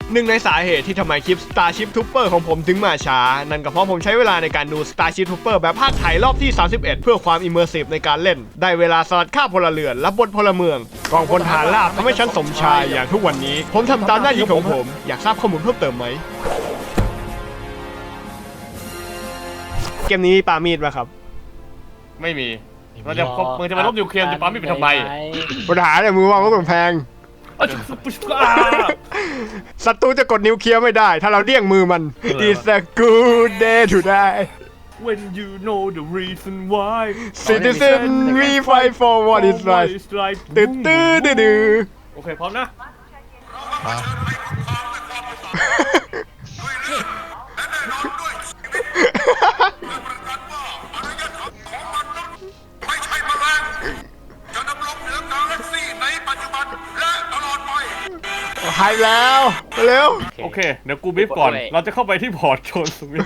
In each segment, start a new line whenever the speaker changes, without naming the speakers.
หนึ่งในสาเหตุที่ทำไมคลิป Starship Trooper ของผมถึงมาช้านั่นก็เพราะผมใช้เวลาในการดู Starship Trooper แบบภาคไทยรอบที่ 31 เพื่อความ immersive ในการเล่นได้เวลาสลัดฆ่าพลเรือนและบนพลเมืองกองพลทหารราบทำให้ฉันสมชายอย่างทุกวันนี้ผมทำตามหน้าที่ของผมอยากทราบข้อมูลเพิ่มเติมไหมเกมนี้ปามีดป่ะครับ
ไม่มีมันจะมึงจะมาลบนิวเคลียร์จะปั๊มไม่เป็นทำไม
ปัญหาเนี่ยมือวางก็กำแพงศัตรูจะกดนิวเคลียร์ไม่ได้ถ้าเราเลี่ยงมือมัน It's a good day today
When you know the reason why
Citizen we fight for what is right ตื้อตื้อดื้อ
โอเคพร้อมนะ
หายแล้วเร็ว
โอเคเดี๋ยวกูบีบก่อนเราจะเข้าไปที่พอร์ตโชนสวิต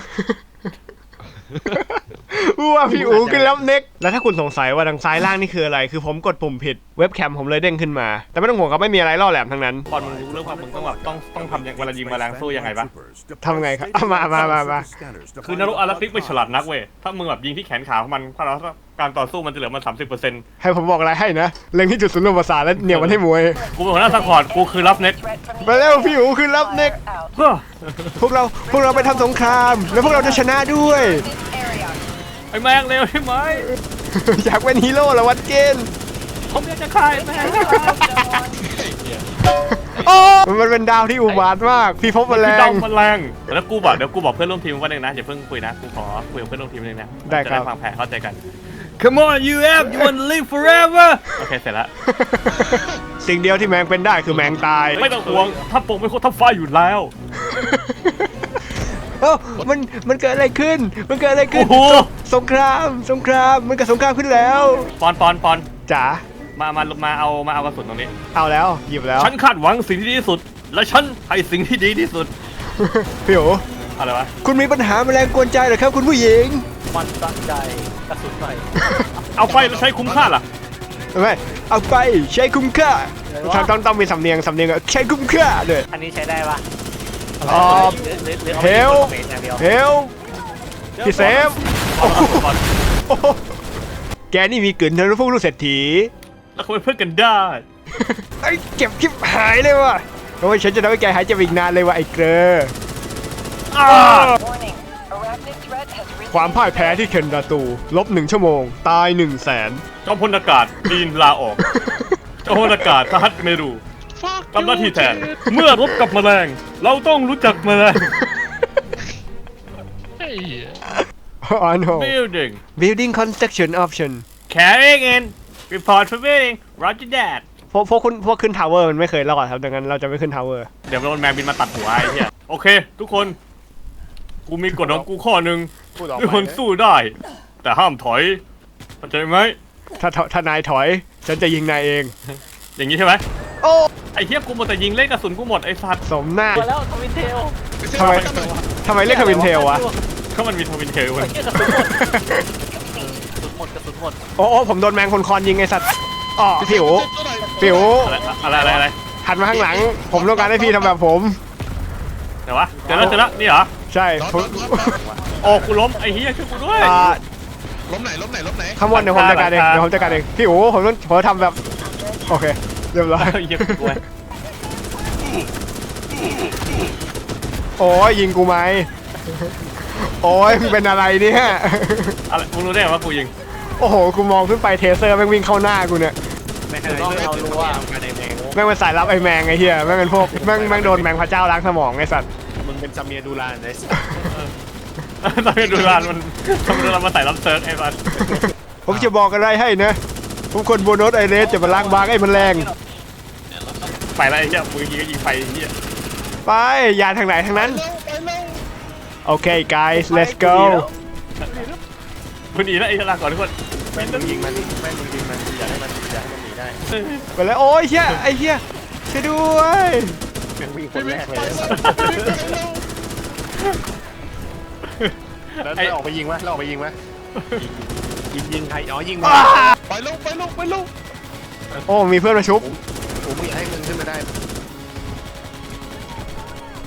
ว่าพี่อู๋ขึ้นแล้วเน็กแล้วถ้าคุณสงสัยว่าทางซ้ายล่างนี่คืออะไรคือผมกดปุ่มผิดเว็บแคมผมเลยเด้งขึ้นมาแต่ไม่ต้องห่วงครับไม่มีอะไรล่อแหลมทั้งนั้น
ตอนมึงรู้เรื่องความมึงต้องแบบต้องทำอย่างเวลายิงแมลงสู้ยังไงปะ
ทำไงครับมา
คือนรกอาราติกไม่ฉลาดนักเว้ยถ้ามึงแบบยิงที่แขนขาของมันถ้าเราการต่อสู้มันจะเหลือมัน 30%
ให้ผมบอกอะไรให้นะเล็งที่จุดศูนย์รวมประสาทแล้วเหนี่ยวมันให้มวย
กูเป็นหัวหน้าซัพพอร์ตกูคือรับเน็ต
ไปแล้วพี่อู๋คือรับเน็กพวกเราไปทำสงครามแล้วพวกเราจะชนะด้วย
ไอ้แมงเร็วใช่ไหม
อยากเป็นฮีโร่แล้ววัดเกณฑ์
ผมอยากจะฆ่าไอ้แมง
มันเป็นดาวที่อุบาทมากพี่พบแมลง
แล้วกูบอกเดี๋ยวกูบอกเพื่อนร่วมทีมว่าหนึ่งนะอย่าเพิ่งคุยนะกูขอคุยกับเพื่อนร่วมทีมนึงนะ
ได้ครับ
ฟังแผนเข้าใจกัน Come on you want to live forever โอเคเสร็จแล้ว
สิ่งเดียวที่แมงเป็นได้คือแมงตาย
ไม่ต้องห่วงถ้าปงไม่โคตรทับไฟอยู่แล้ว
มันเกิดอะไรขึ้นสงครามมันเกิดสงครามขึ้นแล้ว
ปอน
จ๋า
มาเอากระสุนตรงนี้
เอาแล้วหยิบแล้ว
ฉันคาดหวังสิ่งที่ดีที่สุดและฉันให้สิ่งที่ดีที่สุด
พี่โอ๋
อะไรวะ
คุณมีปัญหาแมลงกวนใจเหรอครับคุณผู้หญิง
มันตั้งใจกระสุนหน่อย
เอาไปแล้วใช้คุ้มค่าล่ะ
ไม่เอาไปใช้คุ้มค่าต้องมีสำเนียงใช้คุ้มค่าเลย
อันนี้ใช้ได้ปะ
เฮลพี่เซฟแกนี่มีกลิ่นทะลุพวกลูกเศรษฐี
แล้วเขาเป็นเพื่อนกันได้
ไอ้เก็บคลิปหายเลยว่ะเพราะว่าฉันจะทำให้แกหายเจ็บอีกนานเลยว่ะไอ้เกรอความพ่ายแพ้ที่เคนดาตูลบ1 ชั่วโมงตาย100,000
จอมพลอากาศปีนลาออกจอมพลอากาศทหัตเมรูทำหน้าที่แทนเมื่อรบกับแมลงเราต้องรู้จักแมลง
building construction option
carrying in report for building roger that
พวกขึ้นทาวเวอร์มันไม่เคยรอดครับดังนั้นเราจะไม่ขึ้นทาวเวอร์
เดี๋ยวโดนแมงบินมาตัดหัวไอ้เหี้ยโอเคทุกคนกูมีกฎของกูข้อหนึ่งทุกคนสู้ได้แต่ห้ามถอยเข้าใจไหม
ถ้านายถอยฉันจะยิงนายเอง
อย่างนี้ใช่ไหม
โอ้
ไอ้เหี้ยกูหมดแต่ยิงเล่นกระสุนกูหมดไอ้สัตว์
สมหน้า
แล้วทวินเทล
ทำไมเล่นทวินเทลวะ
ก็มันมีทวินเทลเว้ย
กระสุนหมด
โอ้ผมโดนแมงคนคอนยิงไอ้สัตว์อ๋อผิว
อะไร
หันมาข้างหลังผมต้องการให้พี่ทำแบบผม
เดี๋ยววะเจอแล้วนี่เหรอ
ใช่
โอ้กูล้มไอ้เหี้ยช่วยกูด้วย
ล้มไหน
ข้างบนเดี๋ยวผมจัดการเองพี่โอ้ผมทำแบบโอเคเรียบร้อยโอ้ยยิงกูไหมโอ้ยมึงเป็นอะไรเนี่ย
อะไรมึงรู้ได้ไงว่ากูยิง
โอ้โหกูมองขึ้นไปเทเซอร์แม่งวิ่งเข้าหน้ากูเนี่ย
เรารู้ว่า
แม่งเป็นสายลับไอ้แมงไอ้เหี้ยแม่งเป็นพวกแม่งโดนแมงพระเจ้าล้างสมองไอ้สัตว์
มึงเป็นซาเมียดูรานไอ้สัตว์
ซาเมียดูรานมันมาใส่รับเซิร์ฟไอ้สัตว์
ผมจะบอกอะไรให้นะทุกคนโบนัสไอเรสจะมาล้างบางไอ้มันแรง
ไปแล้วไอ้เหี้ยมึงยิงไฟไอ้เหี้ย
ไปอย่าทางไหนทางนั้นโอเค guys let's go
คุณหนีแล้วไอ้ลาก่อนทุกคน
แม่งยิงมันอย่าให้มันหนีได้
ไปแล้วโอ้ยเหี้ยไอ้เหี้ยช่วยด้วย
วิ่งคนแรกเลยแล้วออกไปยิงไหมยิงใครอ๋อยิงมาไปลง
โอ้มีเพื่อนมาชุบ
ผมไม่อยากให้มึงขึ้นมาได้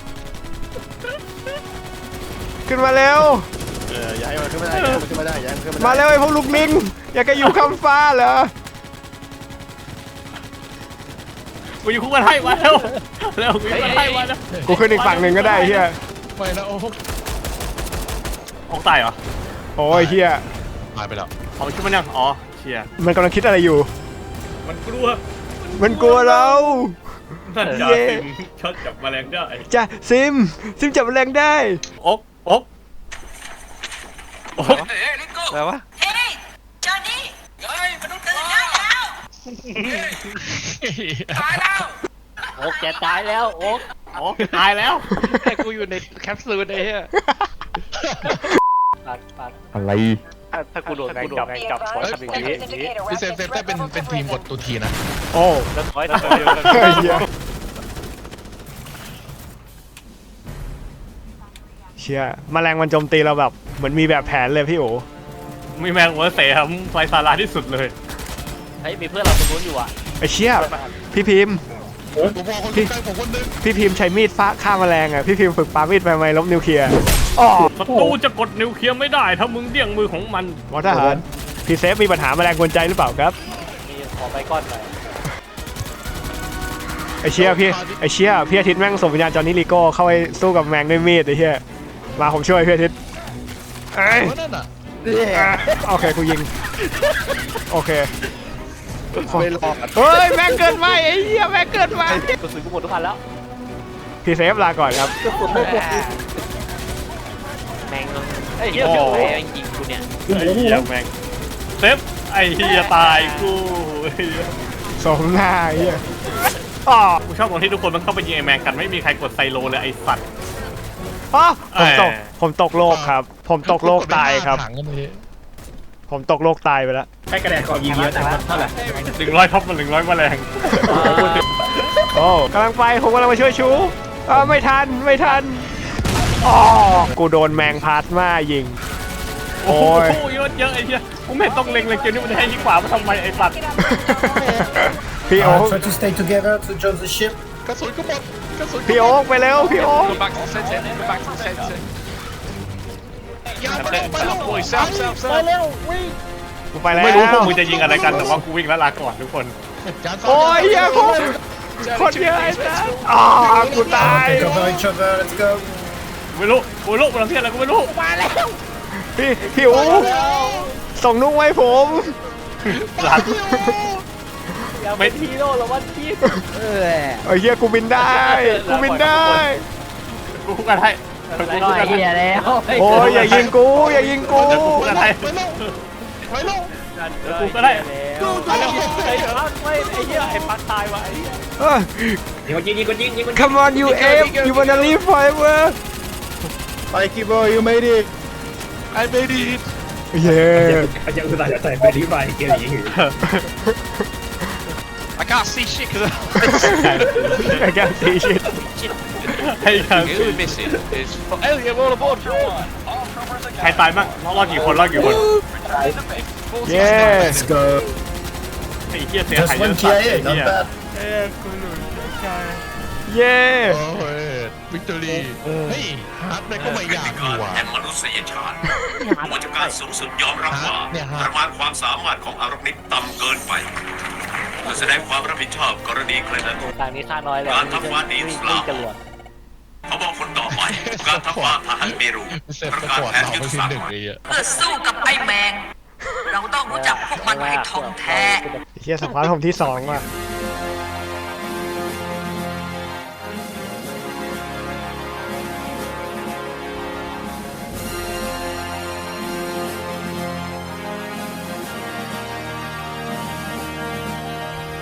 ขึ้นมาเร็ว
อย่าให้มันขึ้นไม่ได้อย่าให้มันขึ้นไม่ได้อย่าให้มันขึ้นไม่ได้
มาเร็วไอ้พวกลูกลิงอยากจะอยู่ข้ามฟ้าเหรอ
กูอยู่คู่กันให้มาเร็วเร็วกูอยู่กันให้มาเร็ว
กูขึ้นอีกฝั่งหนึ่งก็ได้เฮีย
ไปแล้วโอ้
ออกตายเหรอ
โอ้ยเฮีย
ตายไปแล้ว
เอาขึ้นมายังอ๋อเชีย
มันกำลังคิดอะไรอยู่
มันกลัว
มันกลัวเรา
นั่นจ่า
เย้
ซิมช็อตจับแมลงได้
จ้ะซิมจับแรงได้
อกอกอก
อะไรวะ
เฮ้ยจอห์นนี่เฮ้ยมนุษย์ตื่นได้แล้วตายแล้ว
โอ๊กแกตายแล้วโอ๊ก
อกตายแล้ว
แต่กูอยู่ในแคปซูลไอ้เหี้ยปัด
อะไร
ถ้ากูโดนแรงจับขอทำอย่างนี้
พี่เซฟได้เป็นทีมกดตัวทีนะ
โอ้
แล้วถอย
เฮ้ยเหี้ยเชี่ยแมลงมันโจมตีเราแบบเหมือนมีแบบแผนเลยพี่โอ
มีแมงหัวเสียมไฟสาราที่สุดเลย
เฮ้ยมีเพื่อนเราตรงนู้นอยู่อ่ะ
ไอ้เชี่ยพี่พิมพ์
ผมบอกคนใกล้ผมคนนึง
พี่พิมพ์ใช้มีดฟ้าฆ่าแมลงอ่ะพี่พิมพ์ฝึกปามีดไปไหมลบนิวเคลียร์อ๋อ
ศัตรูจะกดนิวเคลียร์ไม่ได้ถ้ามึงเดี่ยงมือของมัน
หมอทหารพี่เซฟมีปัญหาแมลงกวนใจหรือเปล่าครับ
มีขอไปก้อนหน่อย
ไอ้เชี่ยพี่อาทิตย์แม่งส่งวิญญาณจอห์นนี่ลีโก้เข้าไปสู้กับแมงด้วยมีดไอ้เชี่ยมาผมช่วยพี่อาทิตย์เอ้ย
เพราะนั่นอ่ะ
โอเคกูยิงโอเค
ไม่รอด
เฮ้ยแม่งเกินไปไอ้เหี้ยแม่งเกินไป
กระสุนกูหมดทุกอันแล้ว
พี่เซฟลาก่อนครับ
แมงไอ้เหี้ย
โอ้
แมงยิงกูเนี่ย
ไอ้เหี้ยแมงเซฟไอ้เหี้ยตายกูไอ้เหี้ย
สมหน้าไอ้เหี้ยอ๋อ
กูชอบตรงที่ทุกคนมันเข้าไปยิงไอ้แมงกันไม่มีใครกดไซโลเลยไอ้สัตว์
อ๋อผมตก
เอ้ย
ผมตกโลกครับ ผมตกโลกตายครับ
ถังกันเลย
ผมตกโลกตายไปแล้ว
ให้กระแดกขอยิงเยอะแต่เท่าไหร่
100ท็อปมัน100แมลง
โอ้กำลังไปผมกำลังมาช่วยชูไม่ทันอ๋อกูโดนแมงพาสมายิง
โอ้
โอ้ย
โหเยอะเยอะไอ้เหี้ยกูไม่เห็นต้องเล็งเลยเกมนี้มันให้ยิงขวามาทำไมไอ้สัตว์
พี่โอ๊ค
Try to stay together to jump the ship.
กระสุนก็หมดกระสุน
พี่โอ๊คไปเร็วพี่โอ๊ค
ยาวไปลงไปลง
กูไปแล้ว
ไม่รู้พวกมึงจะยิงอะไรกันแต่ว่ากูวิ่งแล้วลาก่อนทุกคน
โอ้ยเหี้ยคนเยอะไอ้สัสอ๋อกูตาย
Take cover each other. Let's go.
ไม่รู้มันทำเพี้ยอะไรกูไม่รู้
พี่โอ๊คส่งนุ้งไว้ผม
หลัง
อย่าเป็นฮีโร่หรอวันพีช
ไอ้เหี้ยกูบินได้กูบินได้
กูคุกกันให้กูคุกกันให้
โอ้ยอย่ายิงกูอย่ายิงกู
กูคุกกันให้
ไปลงไปลง
กูก็ได้
ไอ้พักไม่ไอ้เหี้ยไอ้พักตายวะไอ้เหี้ย
เออ Come on you F you wanna live forever
Mikey boy you made it
ไอ้ไม่ดี
yeah
I can't see shit because
I can't see shit
ให้กัน
missing is oh yeah we're all aboard
ใครตายบ้างรอดกี่คน
yeah
Let's go.
ไอ้เหี้ยเสียหาย
Just
เย
one
อะสัตว์
KIA.
ไอ้
Not
เหี้ย
bad.
yeah
โอ้ยวิกตอรี่เฮ้ยฮาร์ดแม่งก็ไม่อยากอยู่อ่ะ
แห่งมนุษยชาติผู้บัญชาการสูงสุดยอมรับว่า
เนี่ยฮะ
ประมาณความสามารถของอารักนิกต่ำเกินไปเพื่อแสดงความรับผิดชอบกรณีเครน
ทางนี้ค่าน้อยแล้ววิ่งจรวด
เขาบอกคนต่อไป การทำมาทหารเมรู
เสร็จ
ประ
ส
กาศ
ปอร์ต
แผน
เรา
ยุท
ไป
ธ
ที
ศาสต
หนึ่
ร์
งเลยอ่ะ
เพื่อสู้กับไอ้แมง เราต้องรู้จักพวกมันให้ท่องแท้
เฮียสควอตผมที่2ว่ะ